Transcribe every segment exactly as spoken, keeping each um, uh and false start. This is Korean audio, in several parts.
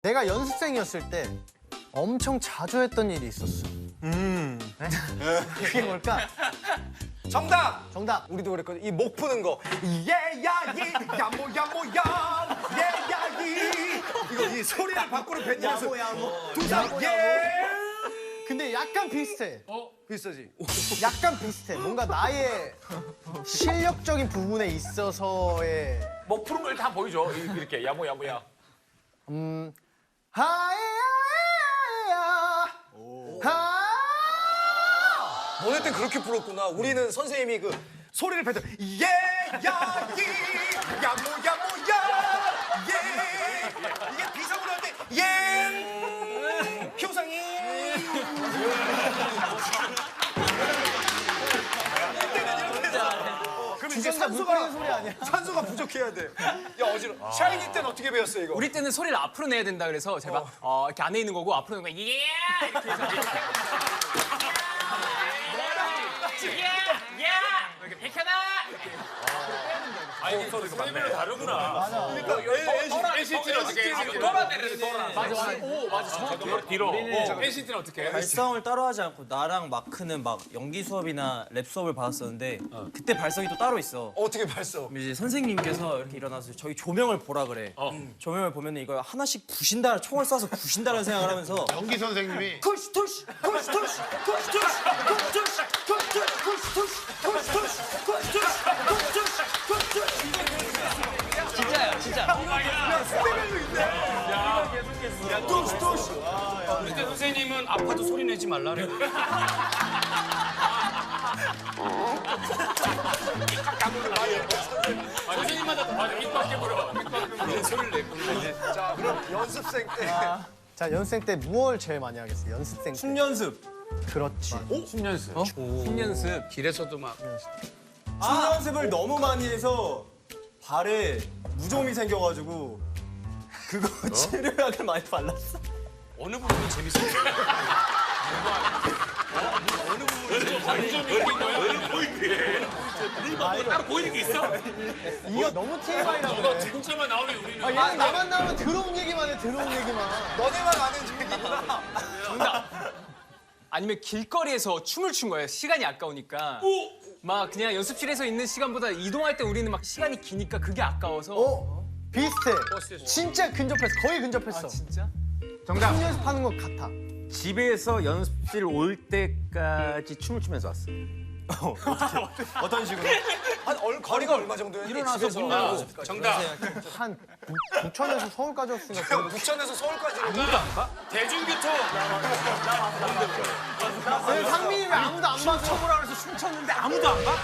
내가 연습생이었을 때 엄청 자주 했던 일이 있었어. 음. 네? 그게 뭘까? 정답! 정답. 우리도 그랬거든. 이 목 푸는 거. 예야이 야모 야모야 예야이 이거 이 소리를 밖으로 뱉으면서 야모 야모. 두상 예. 근데 약간 비슷해. 비슷하지? 약간 비슷해. 뭔가 나의 실력적인 부분에 있어서의 목 푸는 걸 다 보여줘. 이- 이렇게 야모 야모야. 음 하야야야 하 너네 땐 그렇게 불었구나. 우리는 선생님이 그 소리를 뱉어 예야이 야모 야모야 예. 이게 비상으로 할 때 예. 효상이 그럼 이제 주전자 물 산소가 뿌리는 소리 아니야? 산소가 부족해야 돼. 야 어지러. 샤이니 때는 어떻게 배웠어 이거? 우리 때는 소리를 앞으로 내야 된다 그래서 제가 어. 이렇게 안에 있는 거고 앞으로 내는 거 예! 이렇게 해서 예! 예! 이렇게 백현아! 아니 선생님이랑 다르구나. 맞아. 엔시티는 어떻게 해? 돌아내려 돌아. 맞아 맞아. 오 맞아. 뒤로 뒤로. 엔시티는 어떻게 해? 발성을 따로 하지 않고 나랑 마크는 막 연기 수업이나 랩 수업을 받았었는데 그때 발성이 또 따로 있어. 어떻게 발성? 그럼 이제 선생님께서 이렇게 일어나서 저희 조명을 보라 그래. 음. 조명을 보면 이걸 하나씩 부신다, 총을 쏴서 부신다는 생각을 하면서 연기 선생님이 투시 투시 투시 투시 투시 투시 투시 투시 투시 투시 투시 투시 투시 투시 투시 투시 투시 진짜야 진짜. 투시 투시 그때 선생님은 아파도 소리 내지 말라 그래. 선생님마다 다 맞아 입 밖에 불어. 입 밖에 불어. 소리를 냈구나. 자 그럼 연습생 때 자 연습생 때 무얼 제일 많이 하겠어? 연습생 때. 춤 연습. 그렇지. 춤 연습. 춤 연습. 길에서도 막 춤 연습을 너무 많이 해서 발에 무좀이 생겨가지고 그거 치료약을 많이 발랐어. 어느 부분이 재밌어요? 완전 느낀 거야. 보이게. 뭐 따로 보이는 게 있어? 이거 너무 티엠아이라고 너 그래. 진짜만 나오면 우리는. 아, 얘는 나만 나오면 들어온 얘기만 해, 들어온 얘기만. 너네만 아는 얘기구나. 아니면 길거리에서 춤을 춘 거예요. 시간이 아까우니까. 막 그냥 연습실에서 있는 시간보다 이동할 때 우리는 막 시간이 기니까 그게 아까워서. 어? 비슷해. 진짜 근접했어. 거의 근접했어. 아 진짜? 정답. 춤 연습하는 것 같아. 집에서 연습실 올 때까지 춤을 추면서 왔어. 어떤 식으로? 한 얼, 거리가 얼마 정도야? 일어나서 문 열고. 정답. 한 부- 부천에서 서울까지 왔으니까 형 부천에서 서울까지 대중교통. 왜 상민이 왜 아무도 안 봐줘? 춤추라 그래서 춤췄는데 아무도 안 봐?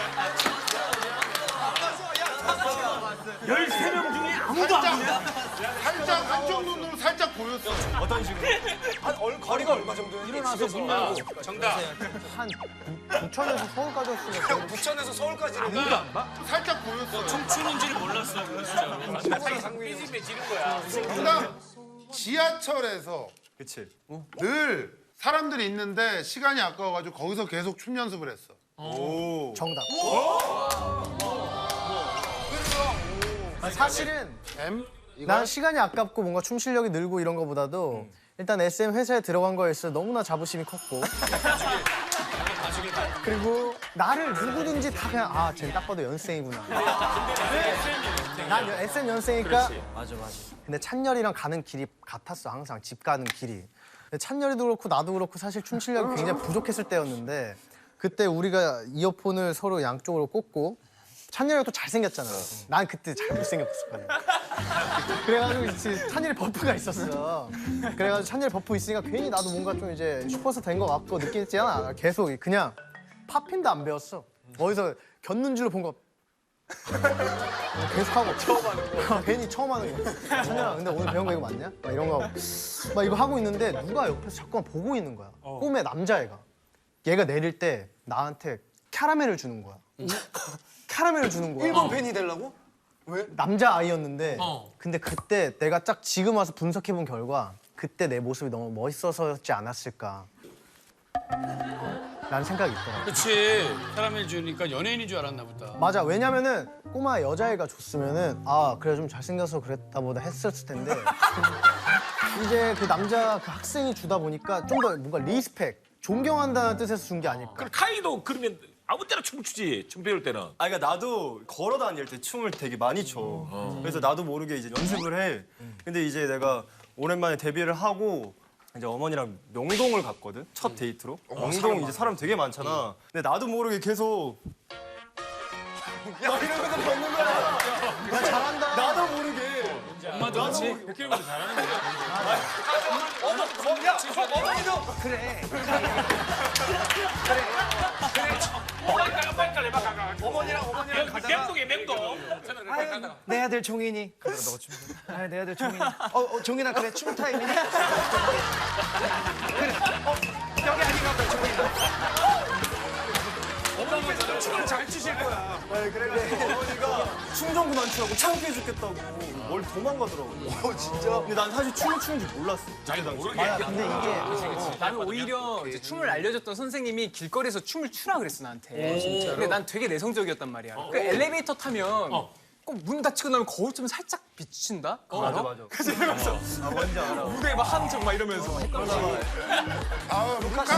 열세 명 중에 아무도 안 봐. 살짝 한쪽 눈으로 살짝 보였어. 어떤 식으로? 한 얼, 거리가 얼마 정도야? 일어나서 문 열고. 정답. 한 부- 부천에서 서울까지 왔으니까 형 부천에서 서울까지 살짝 보였어. 춤추는지를 몰랐어. 진짜로. 삐집에 지는 거야. 정답. 지하철에서 그치. 늘 사람들이 있는데 시간이 아까워가지고 거기서 계속 춤 연습을 했어. 오. 정답. 아, 사실은 M? 이거? 난 시간이 아깝고 뭔가 춤 실력이 늘고 이런 거보다도 일단 에스엠 회사에 들어간 거에 있어 너무나 자부심이 컸고 그리고 나를 누구든지 다 그냥 아 쟤는 딱 봐도 연습생이구나. 난 에스엠 연습생이니까. 맞아 맞아. 근데 찬열이랑 가는 길이 같았어 항상 집 가는 길이. 근데 찬열이도 그렇고 나도 그렇고 사실 춤 실력이 굉장히 부족했을 때였는데 그때 우리가 이어폰을 서로 양쪽으로 꽂고 찬열이가 또 잘생겼잖아. 난 그때 잘 못생겼었거든. 그래가지고 이제 찬열이 버프가 있었어. 그래가지고 찬열이 버프 있으니까 괜히 나도 뭔가 좀 이제 슈퍼스타 된 것 같고 느끼지 않아. 계속 그냥 팝핀도 안 배웠어. 어디서 곁눈 줄로 본 거. 계속 하고 처음 하는 거. 괜히 처음 하는 거. 찬열아, 근데 오늘 배운 거 이거 맞냐? 막 이런 거 하고. 막 이거 하고 있는데 누가 옆에서 자꾸만 보고 있는 거야. 꿈에 남자애가. 얘가 내릴 때 나한테 캐러멜을 주는 거야. 캐러멜을 주는 거야. 일본 팬이 되려고? 남자 아이였는데 근데 그때 내가 딱 지금 와서 분석해본 결과 그때 내 모습이 너무 멋있어서였지 않았을까 라는 생각이 있더라고. 그렇지. 캐러멜 주니까 연예인인 줄 알았나 보다. 맞아. 왜냐면은 꼬마 여자애가 줬으면은 아 그래 좀 잘생겨서 그랬다 보다 했었을 텐데 이제 그 남자 그 학생이 주다 보니까 좀 더 뭔가 리스펙, 존경한다는 뜻에서 준 게 아닐까. 그럼 카이도 그러면 아무 때나 춤을 추지. 춤 배울 때는. 아 그러니까 나도 걸어 다닐 때 춤을 되게 많이 춰. 그래서 나도 모르게 이제 연습을 해. 근데 이제 내가 오랜만에 데뷔를 하고 이제 어머니랑 명동을 갔거든. 첫 데이트로. 명동 이제 사람 되게 많잖아. 근데 나도 모르게 계속 야 이러면서 걷는 거야. 야, 잘한다. 나도 모르게. 엄마도 같이 백킬로미터 잘하는 거야. 어머, 어, 야, 어머니도 어머니랑 어머니랑 가다가 맹동에 맹동. 내 아들 종인이. 그래 너가 춤. 아, 내 아들 종인이. 어, 어 종인아 그래 춤 타임이니? 그래. 어, 여기 아닌가 보다 종인아. 어머니가 춤을 잘 추실 거야. 아니 그래가지고 어머니가 춤 좀 그만 추라고 창피해 죽겠다고 뭘 도망가더라고. 어 진짜? 근데 난 사실 춤을 추는 줄 몰랐어. 자기도 모르게. 근데 이게 나는 오히려 이제 춤을 알려줬던 선생님이 길거리에서 춤을 추라 그랬어 나한테. 근데 난 되게 내성적이었단 말이야. 그 엘리베이터 타면 꼭 문 닫히고 나면 거울 좀 살짝 비친다. 그거 알아? 맞아. 그래서 이러면서 아 뭔지 알아. 무대에 막 하는 척 막 이러면서 헷갈려. 아 루카스.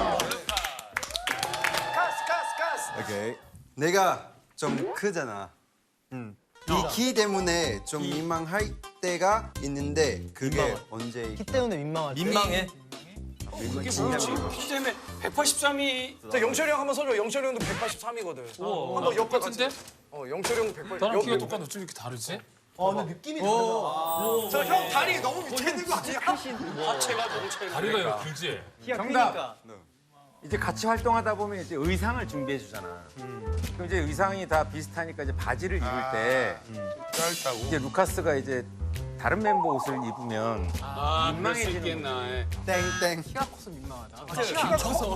가스 가스 가스. 오케이. 내가 좀 크잖아. 이 키 때문에 좀 민망할 때가 있는데 그게 언제? 키 때문에 민망하지. 민망해. 그게 뭐지? 키 때문에 백팔십삼이 자 영철이 형 한번 서줘. 영철이 형도 백팔십삼이거든. 한번 옆에 같이. 같은데? 어 영철이 형도 백팔십. 나랑 키가 똑같아. 어쩜 이렇게 다르지? 어, 근데 느낌이 다르다. 저형 다리 너무 밑에 있는 거 아니야? 하체가 너무 차이가. 다리가 이거 길지. 정답. 이제 같이 활동하다 보면 이제 의상을 준비해 주잖아. 그럼 이제 의상이 다 비슷하니까 이제 바지를 입을 때 짧다고. 이제 루카스가 이제 다른 멤버 옷을 입으면 아, 그럴 수 민망해지는 있겠나. 예. 땡땡. 키가 커서 민망하다. 키가 커서.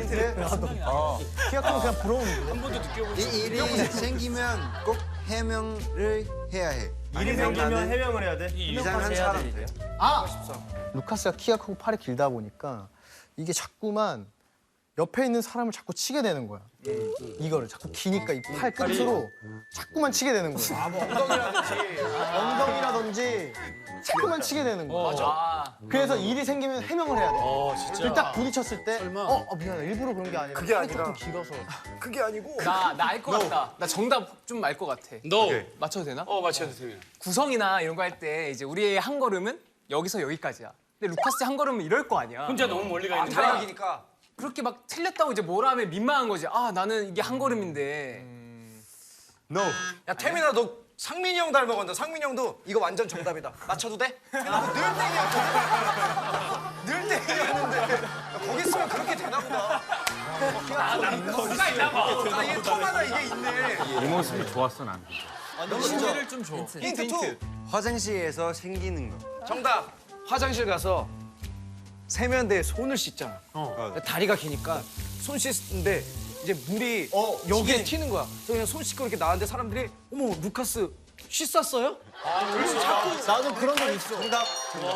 키가 크면 그냥 부러운데. 한 번도 느껴본 이 일이 생기면 꼭 해명을 해야 해. 일이 생기면 해명을 해야 돼. 이상한 사람들. 아! 루카스가 키가 크고 팔이 길다 보니까 이게 자꾸만 옆에 있는 사람을 자꾸 치게 되는 거야. 이거를 자꾸 기니까 이 팔 끝으로 자꾸만 치게 되는 거야. 뭐 엉덩이라든지. 엉덩이라든지 자꾸만 치게 되는 거야. 맞아. 그래서 일이 생기면 해명을 해야 돼. 어, 진짜. 그리고 딱 부딪혔을 때, 어, 어 미안해, 일부러 그런 게 아니라 그게 팔이 아니라. 조금 길어서. 그게 아니고. 나 나 알 것 같다. 나 정답 좀 알 것 같아. 너. 맞춰도 되나? 어, 맞춰도 됩니다. 구성이나 이런 거 할 때 이제 우리의 한 걸음은 여기서 여기까지야. 근데 루카스 한 걸음은 이럴 거 아니야. 혼자 너무 멀리 가 아 있는 다리가 거야. 기니까. 그렇게 막 틀렸다고 이제 뭐라 하면 민망한 거지. 아 나는 이게 한 걸음인데. No. 야 태민아 너 상민이 형 닮아간다. 상민이 형도 이거 완전 정답이다. 맞춰도 돼? 늘 땡이야. 늘 땡이었는데 야, 거기 있으면 그렇게 되나 보다. 누가 있나 봐. 아 이게 턱마다 이게 있네. 이 모습이 좋았어 난. 힌트를 좀 줘. 힌트 투. 화장실에서 생기는 거. 정답. 화장실 가서 세면대에 손을 씻잖아. 다리가 기니까 손 씻는데 이제 물이 여기에 튀는 거야. 그래서 그냥 손 씻고 이렇게 나왔는데 사람들이 어머 루카스 씻었어요? 나도 그런 적 있어. 정답.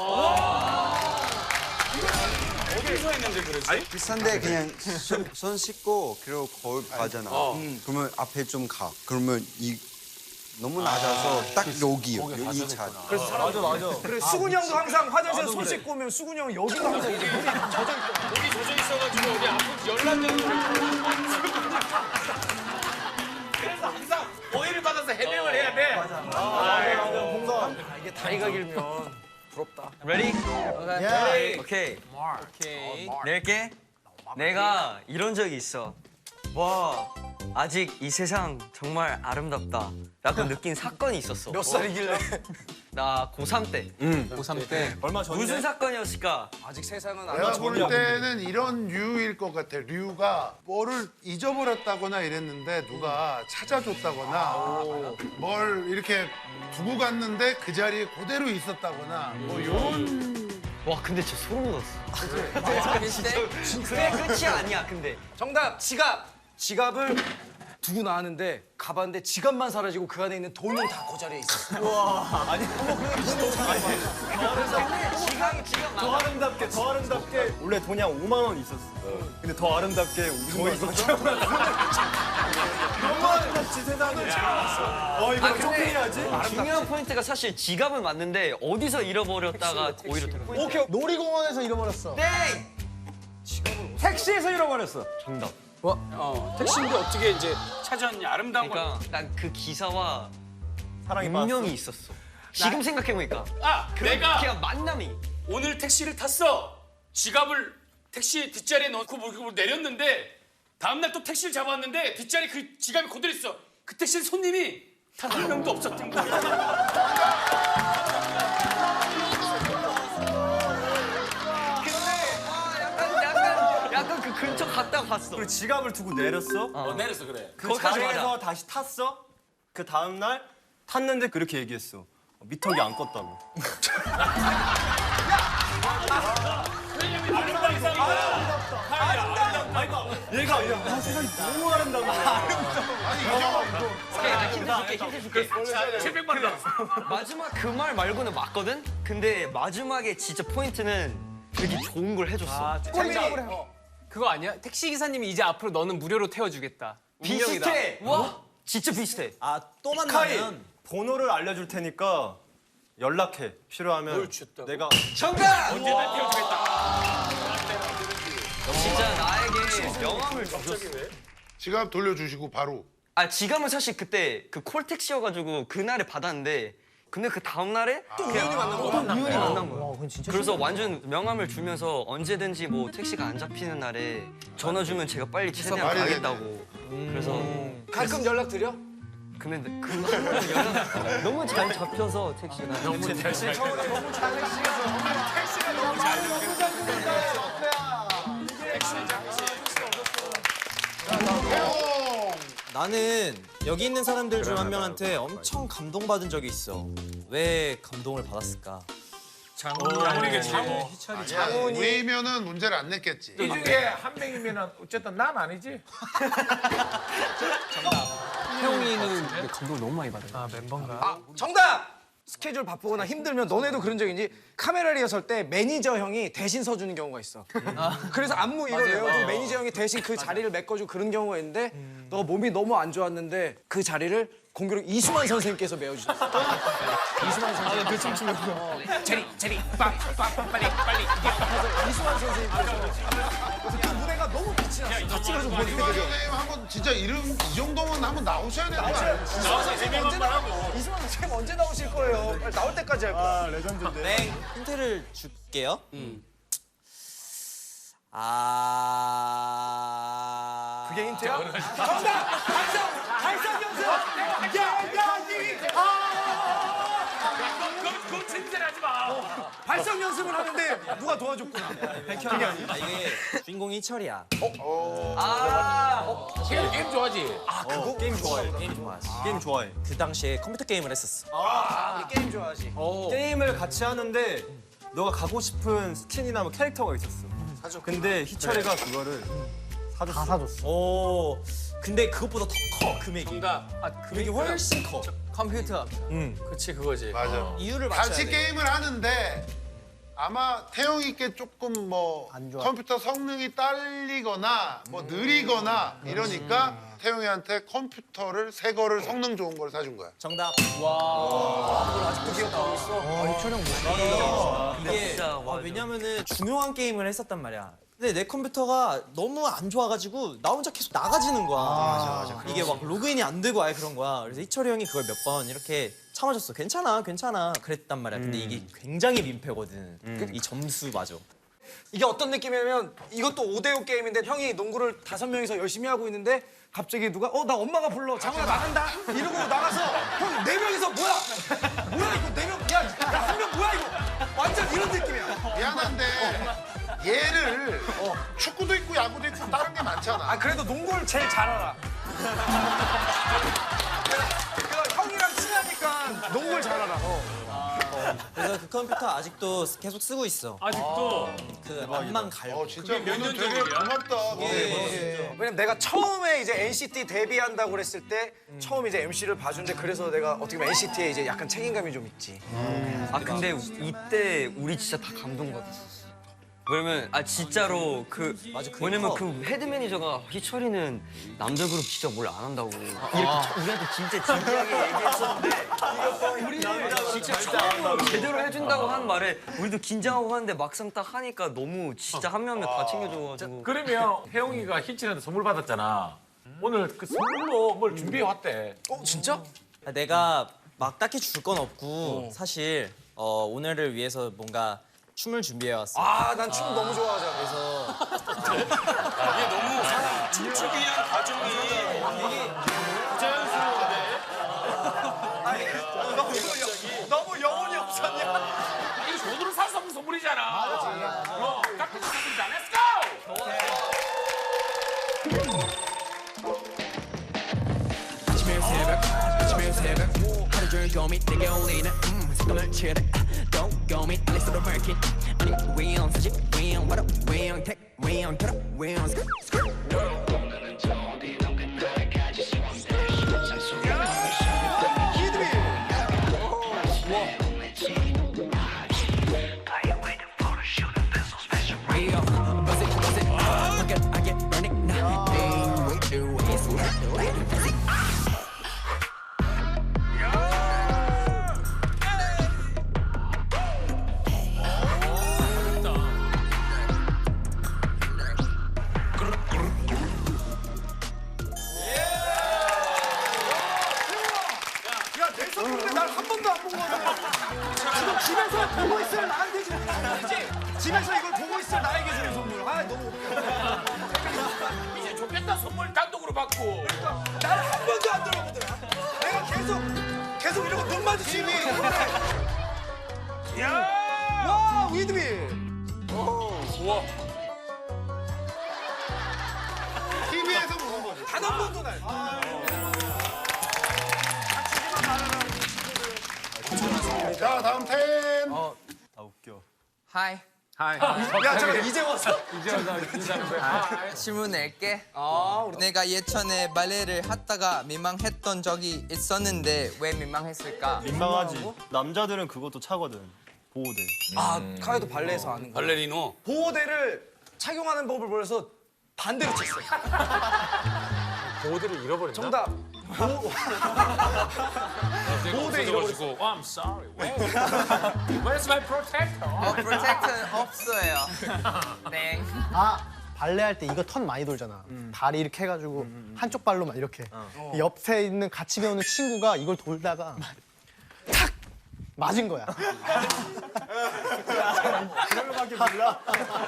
어디서 했는데 그러지? 비싼데 그냥 손, 손 씻고 그리고 거울 가잖아. 그러면 앞에 좀 가. 그러면 이 너무 낮아서 딱 여기요. 이 차. 맞아 맞아. 그래 수근이 형도 항상 화장실에 손 씻고 오면 수근이 형 여기가 항상 이제 물이 젖어 있고. 여기 조져 있어가지고 어디 앞으로 열나는 그래서 항상 오해를 받아서 해명을 해야 돼. 아, 이게 다리가 길면 부럽다. Ready? 야, 오케이. 오케이. 낼게. 내가 이런 적이 있어. 와, 아직 이 세상 정말 아름답다. 라고 느낀 사건이 있었어. 몇 살이길래? 나 고삼 때. 고삼 때. 얼마 전에? 무슨 사건이었을까? 아직 세상은 안 내가 맞춰. 볼 때는 이런 류일 것 같아. 류가 뭐를 잊어버렸다거나 이랬는데 누가 찾아줬다거나 뭘 이렇게 두고 갔는데 그 자리에 그대로 있었다거나 뭐 이런. 와, 근데 진짜 소름 돋았어. 그래, 끝이 아니야, 근데. 정답 지갑. 지갑을 두고 나왔는데 가봤는데 지갑만 사라지고 그 안에 있는 돈은 다 그 자리에 있었어. 지갑, 지갑 더 아름답게, 더 아름답게. 원래 돈이 한 오만 원 있었어. 근데 더 아름답게 돈이 있었어. 너무 아름답지 세상에. 어 이거 어떻게 해야지? 중요한 포인트가 사실 지갑은 맞는데 어디서 잃어버렸다가 오히려 더 포인트. 오케이. 놀이공원에서 잃어버렸어. 땡! 택시에서 잃어버렸어. 정답. 어, 택시인데 어떻게 이제 찾았냐? 아름다운 거. 그러니까 난 그 기사와 사랑이 운명이 있었어. 지금 생각해보니까 아, 그 내가 그냥 만남이. 오늘 택시를 탔어. 지갑을 택시 뒷자리에 넣고 뭐 내렸는데 다음날 또 택시를 잡았는데 뒷자리 그 지갑이 그대로 있어. 그 택시에 손님이 단 한 명도 없었던 거야. 약간 약간 약간 그 근처 갔다 갔어. 그리고 지갑을 두고 내렸어. 어, 내렸어 그래. 그 거기까지 자리에서 맞아. 다시 탔어. 그 다음 날 탔는데 그렇게 얘기했어. 어, 미터기 안 껐다고. 아름다운 이상이야. 얘가 야 아, 세상이 너무 아름다워. 아니 이정아 오케이, 힌트 줄게, 힌트 줄게. 칠백만 원. 마지막 그 말 말고는 맞거든? 근데 마지막에 진짜 포인트는 되게 좋은 걸 해줬어. 그거 아니야? 택시 기사님이 이제 앞으로 너는 무료로 태워주겠다. 운명이다. 비슷해! 와! 진짜 비슷해. 아, 또 카이 번호를 알려줄 테니까 연락해. 필요하면 뭘 줬다고? 내가 정답! 언제 날 태워주겠다. 진짜 나에게 명함을 줬어. 지갑 돌려주시고 바로. 아, 지갑은 사실 그때 그 콜택시여가지고 그날에 받았는데 근데 그 다음날에 또 우연히 만난 거야. 또 우연히 만난 거야. 그래서 완전 명함을 주면서 언제든지 뭐 택시가 안 잡히는 날에 전화 주면 제가 빨리 최대한 말이 가겠다고. 그래서 가끔 연락 드려? 근데 그날은 연락 너무 잘 잡혀서 택시가 너무 잘 나는 여기 있는 사람들 중 한 명한테 엄청 감동받은 적이 있어. 왜 감동을 받았을까? 장훈이겠지. 우리면은 문제를 안 냈겠지. 이 중에 한 명이면 어쨌든 난 아니지. 태용이는 감동을 너무 많이 받아요. 아, 멤버인가? 아, 정답! 스케줄 바쁘거나 힘들면 너네도 그런 적 있니? 카메라 리허설 때 매니저 형이 대신 서주는 경우가 있어. 그래서 안무 이걸 외워주고 매니저 형이 대신 그 자리를 메꿔주고 그런 경우가 있는데 너 몸이 너무 안 좋았는데 그 자리를 공교롭 이수만 선생님께서 메워주셨어. 이수만 선생님. 그 춤추면 제리 제리 빵빵 빨리 빨리. 이수만 선생님께서 그래서 그 무대가 너무 빛이 났어. 같이 가서 보여주게 이수만 되죠. 선생님 한번 진짜 이름 이 정도면 한번 나오셔야 되는 거 아니에요? 나와서 재미만 하고. 이수만 선생님 언제 나오실 거예요? 빨리 나올 때까지 할 거야. 네, 힌트를 줄게요. 아. 그게 힌트야? 그거 칭찬하지 마. 발성 연습을 하는데 누가 도와줬구나. 아, 이게 주인공이 이철이야. 게임 게임 좋아하지. 게임 좋아해. 게임 좋아하지. 게임 좋아해. 그 당시에 컴퓨터 게임을 했었어. 우리 게임 좋아하지. 게임을 같이 하는데 너가 가고 싶은 스킨이나 뭐 캐릭터가 있었어. 근데 희철이가 그거를 사줬어. 다 사줬어. 오. 근데 그것보다 더 커 금액이. 정답. 아, 금액이 훨씬 커. 컴퓨터. 그렇지 그거지. 맞아. 이유를 맞춰야 같이 돼. 게임을 하는데 아마 태용이께 조금 뭐 안 좋아. 컴퓨터 성능이 딸리거나 뭐 느리거나 이러니까 태용이한테 컴퓨터를 새 거를 성능 좋은 걸 사준 거야. 정답. 이철형 이게 진짜, 아, 맞아. 왜냐면은 중요한 게임을 했었단 말이야. 근데 내 컴퓨터가 너무 안 좋아가지고 나 혼자 계속 나가지는 거야. 맞아, 맞아. 이게 막 로그인이 안 되고 아예 그런 거야. 그래서 이철이 형이 그걸 몇 번 이렇게 참아줬어. 괜찮아, 괜찮아. 그랬단 말이야. 근데 이게 굉장히 민폐거든. 이 점수 맞아. 이게 어떤 느낌이냐면 이것도 오 대 오 게임인데 형이 농구를 다섯 명이서 열심히 하고 있는데 갑자기 누가 어 나 엄마가 불러 장훈아 나간다 이러고 나가서 형 네 명이서 뭐야 뭐야 이거 네명야한 명 뭐야 이거 완전 이런 느낌이야. 미안한데 얘를 축구도 있고 야구도 있고 다른 게 많잖아. 아 그래도 농구를 제일 잘 알아. 그 형이랑 친하니까 농구를 잘 알아. 그래서 그 컴퓨터 아직도 계속 쓰고 있어. 아직도. 그 만만 갈고. 어 진짜 몇 너는 년 되게 전이야? 고맙다. 왜냐면 내가 처음에 이제 엔시티 데뷔한다고 그랬을 때 처음 이제 엠씨를 봐준데 그래서 내가 어떻게 보면 엔시티에 이제 약간 책임감이 좀 있지. 아 근데 이때 우리 진짜 다 감동받았었어. 왜냐면 아 진짜로 그 뭐냐면 그 헤드 매니저가 희철이는 남자 그룹 진짜 뭘 안 한다고 이렇게 저- 우리한테 진짜 진지하게 얘기했었는데 우리는 진짜 처음으로 제대로 해준다고 한 말에 우리도 긴장하고 하는데 막상 딱 하니까 너무 진짜 한 명 한 명 다 챙겨줘가지고 그러면 혜영이가 희철이한테 선물 받았잖아. 오늘 그 선물로 뭘 준비해 왔대. 어 진짜? 내가 막 딱히 줄 건 없고 사실 어, 오늘을 위해서 뭔가 춤을 준비해 왔어. 아 난 춤 너무 좋아하잖아. 그래서 이게 너무 춤추기 위한 과정이 부자연스러운데. 너무 영혼이 없었냐? 이거 돈으로 살 수 없는 선물이잖아. 맞아. 어, 깎은 선물이잖아. Let's go! 아침에 새벽 아침에 새벽 하루 종일 고민 내게 올리는 음 색감을 칠해 또 고민 알렉스로 밝힌 아니 왜영 사실 왜영 바로 왜영 택 왜영 털어 왜영 스크 스크 야내 선물인데 날 한 번도 안 본 거야. 지금 집에서 보고 있을 나한테 주는 거지. 집에서 이걸 보고 있을 나에게 주는 선물. 아 너무 웃겨. 이제 좋겠다. 선물 단독으로 받고. 나를 한 번도 안 들어보더라. 내가 계속 계속 이러고 눈 마주치니. 야! 와 위드비. 우와. 티비에서 보는 거지. 단 한 번도 날. 자, 다음 텐. 아 웃겨. 하이. 하이. 야 잠깐 이제 왔어? 이제 와서 인사하는 거야. 질문 낼게. 내가 예전에 발레를 하다가 민망했던 적이 있었는데 왜 민망했을까? 민망하지. 남자들은 그것도 차거든. 보호대. 아 카이도 발레에서 아는 거. 발레리노. 보호대를 착용하는 법을 몰라서 반대로 쳤어. 보호대를 잃어버렸나? 정답. 보호대 잃어버리고. Oh, I'm sorry. Where? Where's my protector? 어, 프로텍트는 없어요. 땡. 아 발레 할 때 이거 턴 많이 돌잖아. 다리 이렇게 해가지고 한쪽 발로만 이렇게. 옆에 있는 같이 배우는 친구가 이걸 돌다가 탁 맞은 거야. 그거밖에 몰라.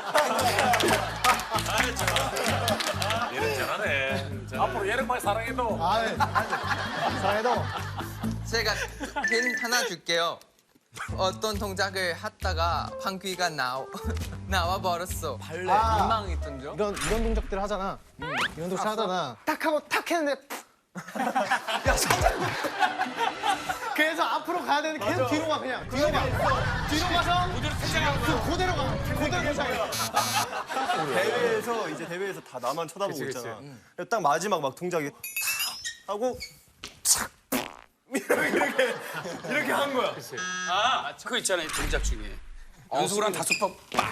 얘는 잘하네. 앞으로 얘는 많이 사랑해도. 아, 네. 사랑해도 제가 힌트 하나 줄게요. 어떤 동작을 하다가 방귀가 나오, 나와 버렸어. 발레 아. 민망했던 적? 이런 이런 동작들 하잖아. 이런 동작 하잖아. 딱 하고 탁 했는데 야 서장. 그래서 앞으로 가야 되는데 계속 뒤로 가 그냥 뒤로 가. 뒤로 가서 그대로 퇴장하는 거야. 그 그대로 가. 그대로 도착해. 대회에서 이제 대회에서 다 나만 쳐다보고 그치, 있잖아. 그래서 딱 마지막 막 동작이 탁 하고 착 이렇게 이렇게, 이렇게 한 거야. 아, 그거 있잖아요. 동작 중에. 연속으로 한 다섯 번 빡!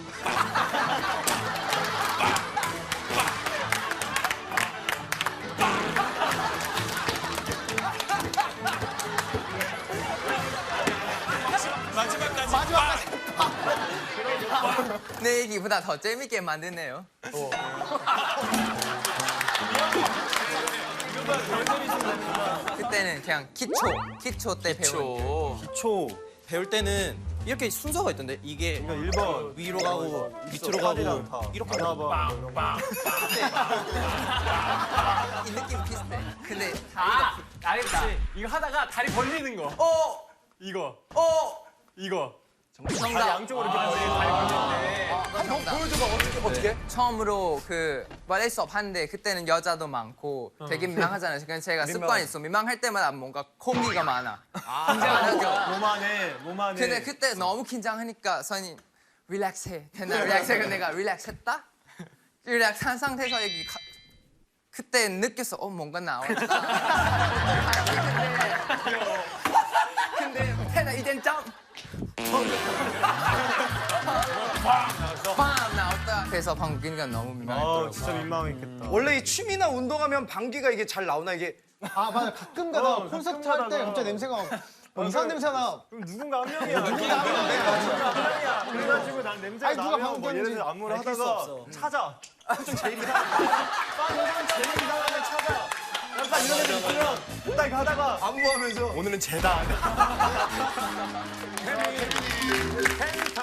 마지막까지 마지막까지 내 얘기보다 더 재밌게 만드네요. 그때는 그냥 기초, 기초 때 배운. 기초. 배울 때는 이렇게 순서가 있던데 이게 그러니까 일 번 위로 가고 밑으로 가고 이렇게 가고 이 느낌 비슷해. 근데 아, 알겠다. 이거 하다가 다리 벌리는 거. 어, 이거 어, 이거 정답. 양쪽으로 이렇게 벌리는 다리 벌리는데 한번 보여줘봐 어떻게 어떻게? 처음으로 그 발레 수업 하는데 그때는 여자도 많고 되게 민망하잖아요. 그래서 제가 습관이 있어. 민망할 때마다 뭔가 공기가 많아. 긴장하죠. 몸 안에 몸 안에. 근데 그때 너무 긴장하니까 선이 릴렉스해. 됐나? 릴렉스해. 근데 내가 릴렉스했다? 릴렉스 한 상태에서 여기 가, 그때 느꼈어. 어 뭔가 나왔다. 근데 근데 테나 이젠 점. 빵 나왔다. 그래서 방귀가 너무 민망했더라고. 진짜 민망했겠다. 원래 이 춤이나 운동하면 방귀가 이게 잘 나오나 이게 아 맞아 가끔 가다 어, 콘서트 가끔 할 때 가다가. 갑자기 냄새가 어, 이상한 냄새 나. 그럼 누군가 한 명이야. 누군가 한 명이야. 누군가 한 명이야. 그래가지고 난 냄새가 아니, 누가 나면 방금 뭐 예를 들어 안무를 밝힐 수 하다가 없어. 찾아. 좀 제일 이상한 빵 제일 이상하면 찾아. 약간 이런 애들 있으면 딱 가다가 안무하면서 오늘은 쟤다. 팬